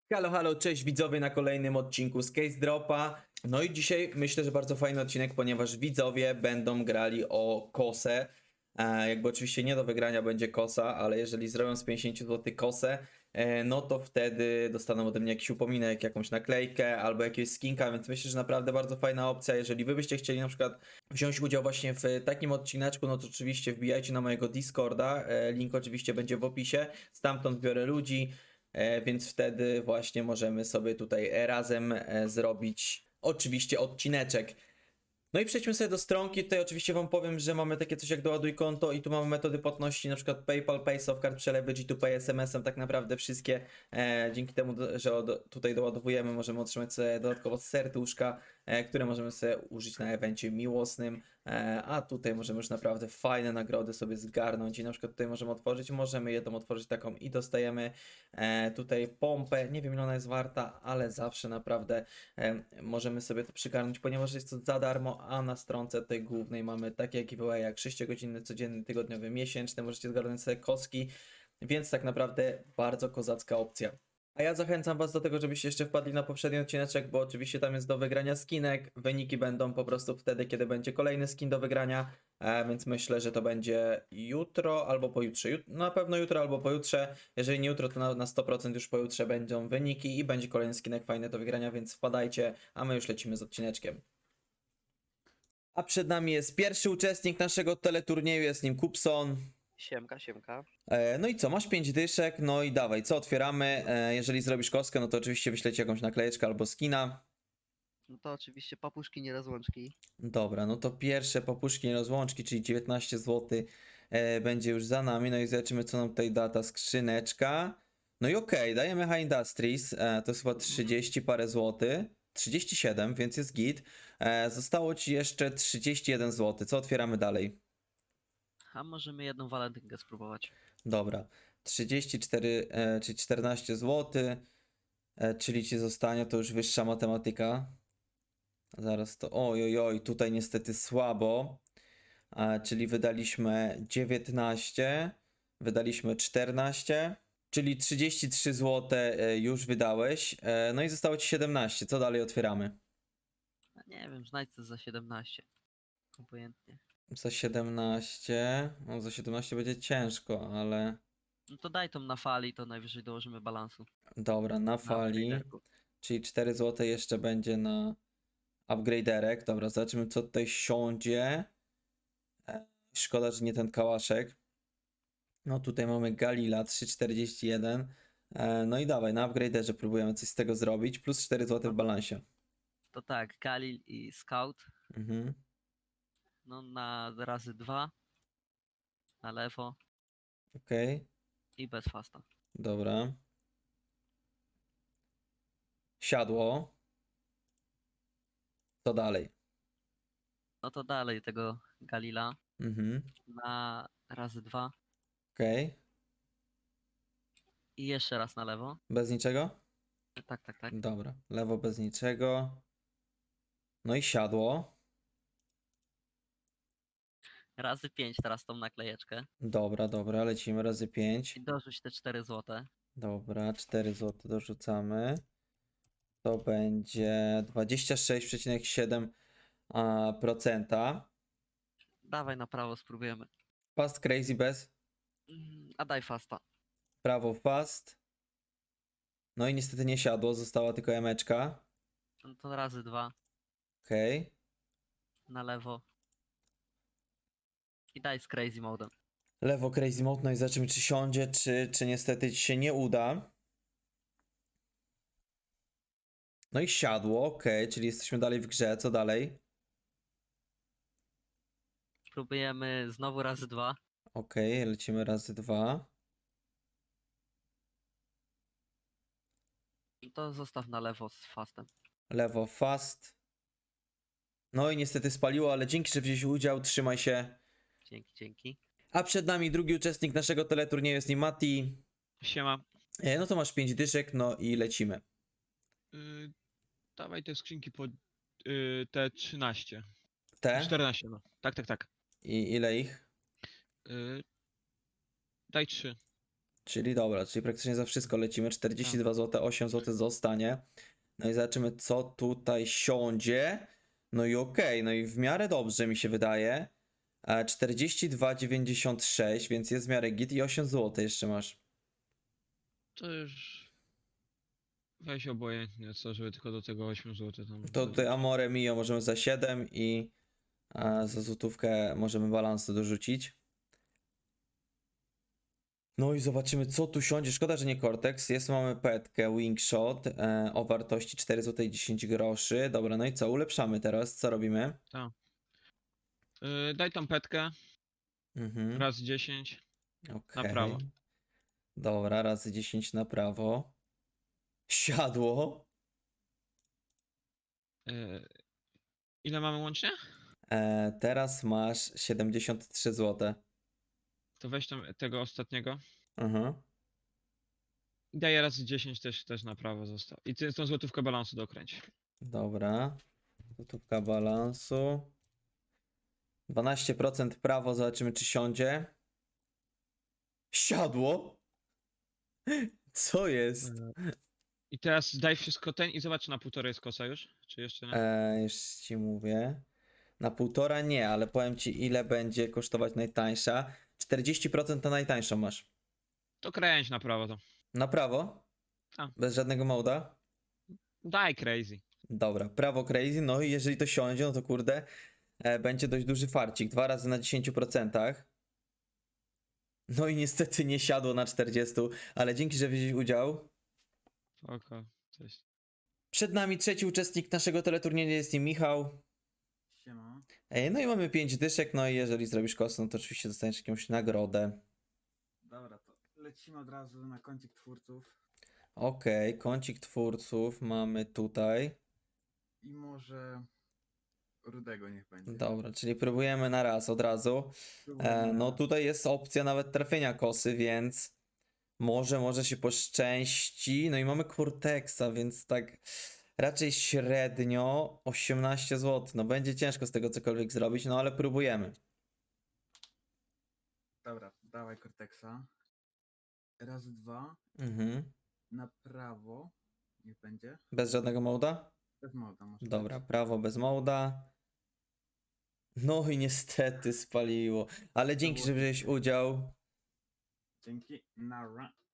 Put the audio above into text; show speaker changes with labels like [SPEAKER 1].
[SPEAKER 1] Halo, halo, cześć widzowie na kolejnym odcinku z Case Dropa. No i dzisiaj myślę, że bardzo fajny odcinek, ponieważ widzowie będą grali o kosę. Jakby oczywiście nie do wygrania będzie kosa, ale jeżeli zrobią z 50 zł kosę, no to wtedy dostaną ode mnie jakiś upominek, jakąś naklejkę albo jakiegoś skinka, więc myślę, że naprawdę bardzo fajna opcja. Jeżeli wy byście chcieli na przykład wziąć udział właśnie w takim odcineczku, no to oczywiście wbijajcie na mojego Discorda, link oczywiście będzie w opisie, stamtąd biorę ludzi. Więc wtedy właśnie możemy sobie tutaj razem zrobić oczywiście odcineczek. No i przejdźmy sobie do stronki. Tutaj oczywiście wam powiem, że mamy takie coś jak doładuj konto i tu mamy metody płatności, na przykład PayPal, PaySoft, przelewy, G2Pay, SMS-em, tak naprawdę wszystkie. Dzięki temu, że tutaj doładowujemy, możemy otrzymać sobie dodatkowo serduszka, które możemy sobie użyć na evencie miłosnym, a tutaj możemy już naprawdę fajne nagrody sobie zgarnąć i na przykład tutaj możemy jedną otworzyć taką i dostajemy tutaj pompę, nie wiem ile ona jest warta, ale zawsze naprawdę możemy sobie to przygarnąć, ponieważ jest to za darmo, a na stronce tej głównej mamy takie giveaway jak 6-godzinny, codzienny, tygodniowy, miesięczny, możecie zgarnąć sobie kostki, więc tak naprawdę bardzo kozacka opcja. A ja zachęcam was do tego, żebyście jeszcze wpadli na poprzedni odcineczek, bo oczywiście tam jest do wygrania skinek, wyniki będą po prostu wtedy, kiedy będzie kolejny skin do wygrania, więc myślę, że to będzie jutro albo pojutrze. Na pewno jutro albo pojutrze. Jeżeli nie jutro, to na 100% już pojutrze będą wyniki i będzie kolejny skinek fajny do wygrania, więc wpadajcie, a my już lecimy z odcineczkiem. A przed nami jest pierwszy uczestnik naszego teleturnieju, jest nim Kupson.
[SPEAKER 2] Siemka, siemka.
[SPEAKER 1] No i co, masz 5 dyszek, no i dawaj, co otwieramy? Jeżeli zrobisz kostkę, no to oczywiście wyślecie jakąś naklejeczkę albo skina.
[SPEAKER 2] No to oczywiście papuszki, nie rozłączki.
[SPEAKER 1] Dobra, no to pierwsze popuszki rozłączki, czyli 19 zł będzie już za nami. No i zobaczymy, co nam tutaj da ta skrzyneczka. No i okej, dajemy High Industries, to jest chyba 30 parę złotych. 37, więc jest git. Zostało ci jeszcze 31 zł. Co otwieramy dalej?
[SPEAKER 2] A możemy jedną walentynkę spróbować.
[SPEAKER 1] Dobra, 34, czyli 14 zł, czyli ci zostanie to już wyższa matematyka. Zaraz to. Oj, oj, oj, tutaj niestety słabo. Czyli wydaliśmy 19, wydaliśmy 14, czyli 33 zł już wydałeś. No i zostało ci 17. Co dalej otwieramy?
[SPEAKER 2] A nie wiem, znajdź coś za 17. Obojętnie.
[SPEAKER 1] Za 17. No, za 17 będzie ciężko, ale
[SPEAKER 2] No to daj tą na fali, to najwyżej dołożymy balansu.
[SPEAKER 1] dobra, na
[SPEAKER 2] Na
[SPEAKER 1] fali.
[SPEAKER 2] upgraderku.
[SPEAKER 1] Czyli 4 zł jeszcze będzie na upgraderek. Dobra, zobaczymy co tutaj siądzie. Szkoda, że nie ten kałaszek. No tutaj mamy Galila 3,41. No i dawaj, na upgraderze próbujemy coś z tego zrobić. Plus 4 zł w balansie.
[SPEAKER 2] To tak, Galil i Scout.
[SPEAKER 1] Mhm.
[SPEAKER 2] No na razy 2. Na lewo
[SPEAKER 1] Okej,
[SPEAKER 2] i bez fasta.
[SPEAKER 1] dobra. Siadło. Co dalej?
[SPEAKER 2] No to dalej tego Galila
[SPEAKER 1] Mhm.
[SPEAKER 2] na razy 2.
[SPEAKER 1] Okej.
[SPEAKER 2] I jeszcze raz na lewo.
[SPEAKER 1] Bez niczego?
[SPEAKER 2] Tak, tak, tak.
[SPEAKER 1] Dobra. Lewo bez niczego. No i siadło.
[SPEAKER 2] Razy 5 teraz tą naklejeczkę.
[SPEAKER 1] Dobra, dobra, lecimy razy 5.
[SPEAKER 2] I dorzuć te 4 złote.
[SPEAKER 1] Dobra, 4 zł dorzucamy. To będzie 26,7%.
[SPEAKER 2] Dawaj na prawo, spróbujemy.
[SPEAKER 1] Fast crazy bez.
[SPEAKER 2] A daj fasta.
[SPEAKER 1] Prawo fast. No i niestety nie siadło, została tylko emeczka.
[SPEAKER 2] No to razy 2
[SPEAKER 1] Okej.
[SPEAKER 2] na lewo. I daj z crazy modem.
[SPEAKER 1] Lewo crazy mode, no i zobaczymy czy siądzie, czy niestety ci się nie uda. No i siadło, okej, czyli jesteśmy dalej w grze, co dalej?
[SPEAKER 2] Próbujemy znowu razy 2.
[SPEAKER 1] Okej, lecimy razy 2.
[SPEAKER 2] To zostaw na lewo z fastem.
[SPEAKER 1] Lewo fast. No i niestety spaliło, ale dzięki, że wziąłeś udział, trzymaj się.
[SPEAKER 2] Dzięki, dzięki.
[SPEAKER 1] A przed nami drugi uczestnik naszego teleturnieju jest nim Mati.
[SPEAKER 3] Siema.
[SPEAKER 1] No to masz 5 dyszek, no i lecimy.
[SPEAKER 3] Dawaj te skrzynki po te 13.
[SPEAKER 1] Te?
[SPEAKER 3] 14, no. Tak, tak, tak.
[SPEAKER 1] I ile ich?
[SPEAKER 3] Daj 3.
[SPEAKER 1] Czyli dobra, czyli praktycznie za wszystko lecimy. 42 zł, 8 zł zostanie. No i zobaczymy, co tutaj siądzie. No i okej, no i w miarę dobrze mi się wydaje. 42,96, więc jest w miarę git i 8 zł jeszcze masz.
[SPEAKER 3] To już... Weź obojętnie, co, żeby tylko do tego 8 zł tam...
[SPEAKER 1] To tutaj Amore Mio możemy za 7 i za złotówkę możemy balansu dorzucić. No i zobaczymy, co tu siądzie. Szkoda, że nie Cortex. Jest, mamy petkę Wingshot o wartości 4 zł i 10 groszy. Dobra, no i co? Ulepszamy teraz. Co robimy?
[SPEAKER 3] Daj tą petkę,
[SPEAKER 1] Mhm.
[SPEAKER 3] raz 10 na
[SPEAKER 1] Okej.
[SPEAKER 3] prawo.
[SPEAKER 1] Dobra, razy 10 na prawo. Siadło.
[SPEAKER 3] Ile mamy łącznie?
[SPEAKER 1] Teraz masz 73 zł.
[SPEAKER 3] To weź tam tego ostatniego.
[SPEAKER 1] Mhm.
[SPEAKER 3] I daję raz 10 też na prawo został. I ty tą złotówkę balansu dokręć.
[SPEAKER 1] Dobra. Złotówka balansu. 12% prawo, zobaczymy czy siądzie. Siadło? Co jest?
[SPEAKER 3] I teraz daj wszystko ten i zobacz, na półtorej jest kosa już? Czy jeszcze nie?
[SPEAKER 1] Już ci mówię. Na 1,5 nie, ale powiem ci ile będzie kosztować najtańsza. 40% na najtańszą masz.
[SPEAKER 3] To kręć na prawo to.
[SPEAKER 1] Na prawo?
[SPEAKER 3] A.
[SPEAKER 1] Bez żadnego moda?
[SPEAKER 3] Daj crazy.
[SPEAKER 1] Dobra, prawo crazy, no i jeżeli to siądzie, no to kurde, będzie dość duży farcik. 2 razy na 10%. No i niestety nie siadło na 40, ale dzięki, że wzięłeś udział.
[SPEAKER 3] Oko, cześć.
[SPEAKER 1] Przed nami trzeci uczestnik naszego teleturnieju, jest nim Michał.
[SPEAKER 4] Siema.
[SPEAKER 1] No i mamy 5 dyszek, no i jeżeli zrobisz kosę, no to oczywiście dostaniesz jakąś nagrodę.
[SPEAKER 4] Dobra, to lecimy od razu na kącik twórców.
[SPEAKER 1] Okej, kącik twórców mamy tutaj.
[SPEAKER 4] I może Rudego niech będzie.
[SPEAKER 1] Dobra, czyli próbujemy na raz od razu.
[SPEAKER 4] Spróbujmy
[SPEAKER 1] No
[SPEAKER 4] na-
[SPEAKER 1] tutaj jest opcja nawet trafienia kosy, więc może się poszczęści. No i mamy Cortexa, więc tak raczej średnio 18 zł. No będzie ciężko z tego cokolwiek zrobić, no ale próbujemy.
[SPEAKER 4] Dobra, dawaj Cortexa. Raz, dwa.
[SPEAKER 1] Mhm.
[SPEAKER 4] Na prawo. Niech będzie.
[SPEAKER 1] Bez żadnego moda?
[SPEAKER 4] Bez moda może
[SPEAKER 1] Dobra,
[SPEAKER 4] być.
[SPEAKER 1] prawo bez moda. No i niestety spaliło. Ale dzięki, że wziąłeś udział.
[SPEAKER 4] Dzięki. Nara.